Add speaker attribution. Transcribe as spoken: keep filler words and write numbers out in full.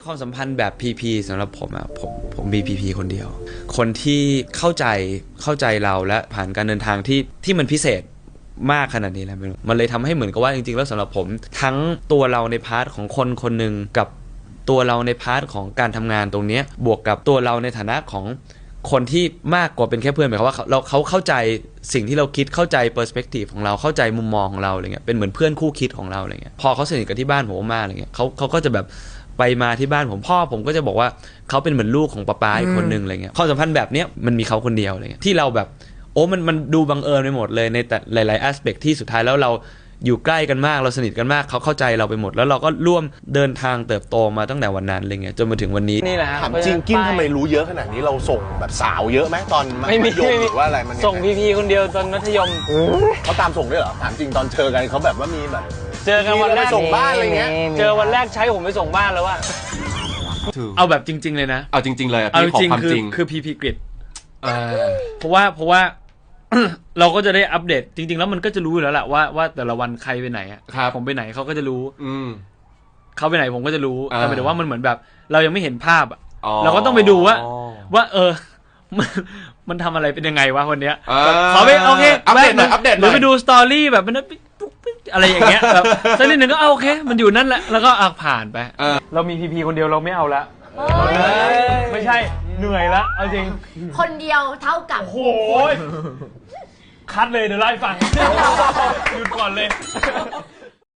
Speaker 1: ความสัมพันธ์แบบ พี พี สำหรับผมอะผมผมมี พี พี คนเดียวคนที่เข้าใจเข้าใจเราและผ่านการเดินทางที่ที่มันพิเศษมากขนาดนี้แล้วมันเลยทำให้เหมือนกับว่าจริงๆแล้วสำหรับผมทั้งตัวเราในพาร์ทของคนคนหนึ่งกับตัวเราในพาร์ทของการทำงานตรงนี้บวกกับตัวเราในฐานะของคนที่มากกว่าเป็นแค่เพื่อนหมายความว่าเราเขาเข้าใจสิ่งที่เราคิดเข้าใจเปอร์สเปกทีฟของเราเข้าใจมุมมองของเราอะไรเงี้ยเป็นเหมือนเพื่อนคู่คิดของเราอะไรเงี้ยพอเขาสนิทกับที่บ้านผมมากอะไรเงี้ยเขาเขาก็จะแบบไปมาที่บ้านผมพ่อผมก็จะบอกว่าเขาเป็นเหมือนลูกของป๊าป๊าอีกคนนึงอะไรเงี้ยความสัมพันธ์แบบเนี้ยมันมีเขาคนเดียวอะไรเงี้ยที่เราแบบโอ้มันมันดูบังเอิญไปหมดเลยในแต่หลายๆ aspect ที่สุดท้ายแล้วเราอยู่ใกล้กันมากเราสนิทกันมากเขาเข้าใจเราไปหมดแล้วเราก็ร่วมเดินทางเติบโตมาตั้งแต่วันนั้นอะไรเงี้ยจนมาถึงวันนี้
Speaker 2: นี่แหละ
Speaker 3: ถามจริงกินทำไมรู้เยอะขนาดนี้เราส่งแบบสาวเยอะไหมตอนมัธยมหรือว่าอะไรมัน
Speaker 2: ส่งพีพีคนเดียวตอนมัธยม
Speaker 3: เขาตามส่งด้วยเหรอถามจริงตอนเจอกันเขาแบบว่ามีแบบ
Speaker 2: เจอกันวันแรก
Speaker 3: ส่งบ้านอะไรเงี้ย
Speaker 2: เจอวันแรกใช้ผมไปส่งบ้านแล้วว่า
Speaker 1: เอาแบบจริงๆเลยนะ
Speaker 4: เอาจริงๆเลย
Speaker 1: เอาจริง
Speaker 4: ความจริง
Speaker 1: คือ พี พี Grid เพราะว่าเพราะว่า เราก็จะได้อัปเดตจริงๆแล้วมันก็จะรู้อยู่แล้วแหละว่าว่าแต่ละวันใครไปไหนอ่ะผมไปไหนเขาก็จะรู้เขาไปไหนผมก็จะรู้แต่หมายถึงว่ามันเหมือนแบบเรายังไม่เห็นภาพอ่ะเราก็ต้องไปดูว่าว่าเออมันมันทำอะไรเป็นยังไงวะวันเนี้ยขอไปโอเค
Speaker 4: อัปเดตหน่อยอัปเดตห
Speaker 1: รือไปดูสตอรี่แบบมันอะไรอย่างเงี้ยแบบสักนิดหนึ่งก็โอเคมันอยู่นั่นแหละแล้วก็อ่ะผ่านไปเรามีพีพีคนเดียวเราไม่เอาละไม่ใช่เหนื่อยละเอาจริง
Speaker 5: คนเดียวเท่ากับ
Speaker 1: โอ้ยคัดเลยเดี๋ยวไล่ฟังหยุดก่อนเลย